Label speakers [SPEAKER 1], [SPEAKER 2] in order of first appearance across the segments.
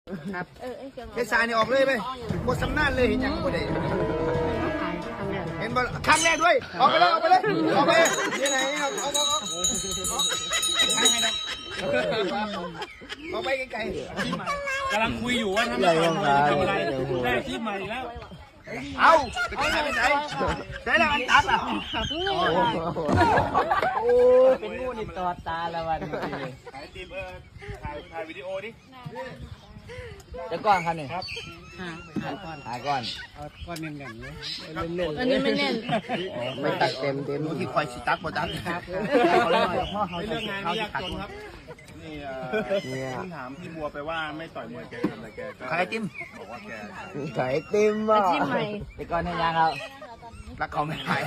[SPEAKER 1] ครับ
[SPEAKER 2] เทสายนี่ออกเลยไปหมดสำนักเลยเห็นยังบ่ได้เห็นบ่ครั้งแรกด้วยออกไปเลยออกไปเลยออกไปที่ไหนออกออกไปไกลๆ
[SPEAKER 3] กำลังคุยอยู่ว่าทำอะไรได้คลิปใหม่แล้ว
[SPEAKER 2] เอาไปไหนไปไหนใช่แล้วอันตัดอ่ะโอ้
[SPEAKER 1] เป็นงูนี่ตอดตาละวัน
[SPEAKER 3] ถ่ายทีมถ่ายวิดีโอดิ
[SPEAKER 1] จะก้อนครับเนี่ยครับหาก้อนก้อนเน่นๆเลยอันนี้ไม่เน่นไม่ตัดเต็ม
[SPEAKER 2] ดูที่คอยสิตักบ่ตักครับ
[SPEAKER 3] เรื่องงานไม่ยากจนครับนี่ถามพี่บัวไปว่าไม่ต่อยมวยแกทำอะไรแกก็
[SPEAKER 2] ใครจิ้ม
[SPEAKER 3] บอกว่าแก
[SPEAKER 1] ไข่ติมอ่ะไปก้อนให้ยังครับ
[SPEAKER 2] รักเขาไม่ได้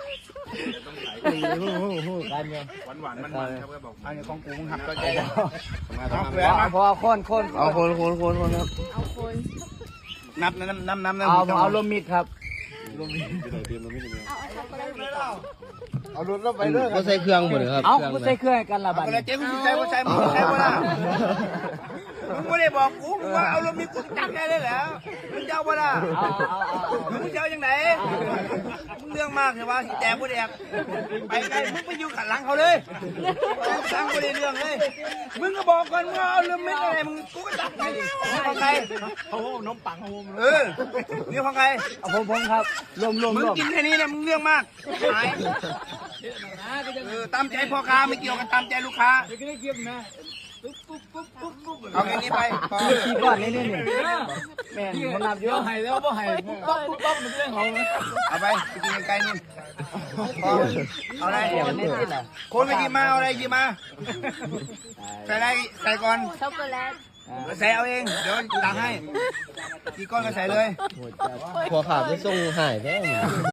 [SPEAKER 1] การเงิน
[SPEAKER 3] หวานมันครับก็บอก
[SPEAKER 2] อันนี้ของกูมึงหักก็ใจ
[SPEAKER 1] พอคนเอาคนครับ
[SPEAKER 2] นับ
[SPEAKER 1] เอาลมมิดครับ
[SPEAKER 2] เอารถเราไปเรื่อย
[SPEAKER 4] ก็ใส่เครื่องหมดเลยครับ
[SPEAKER 1] เอาใส่เครื่องกันละบัด
[SPEAKER 2] เจ๊มึงใช้ว่าใช้มึงใช้ว่าล่ะมึงไม่ได้บอกกูมึงว่าเอารถมีกูจับได้เลยแล้วมึงเจ้าว่าล่ะมึงเจ้ายังไงมึงเรื่องมากใช่ปะสีแดงกูแดงไปไกลมึงไปอยู่ขัดหลังเขาเลยสร้างกูได้เรื่องเลยมึงก็บอกก่อนว่าเอารถไม่อะไรมึงกูก็จับไงดิของใคร
[SPEAKER 3] โอ้โหน้ำปังโอ้โห
[SPEAKER 2] นี่ของใคร
[SPEAKER 1] ผมครับรวม
[SPEAKER 2] มึงกินแค่นี้เนี่ยมึงเรื่องมากหายตามใจพ่อค้าไม่เกี่ยวกันตามใจลูกค้าเอาแค่นี้ไป
[SPEAKER 1] ขี้ก้อนนี่แม่คนนับเยอะ
[SPEAKER 3] หายแล้วบ่หายป๊บมันเรื่องของ
[SPEAKER 2] เอาไปกินไกลนี่เอาอะไรคนไม่กินมาเอาอะไรกินมาใส่อะไรใส่ก่อนช็อกโกแลตใส่เอาเองเดี๋ยวตักให้กี่ก้อนก็ใส่เลย
[SPEAKER 4] หัวขาดไม่ส่งหายแท้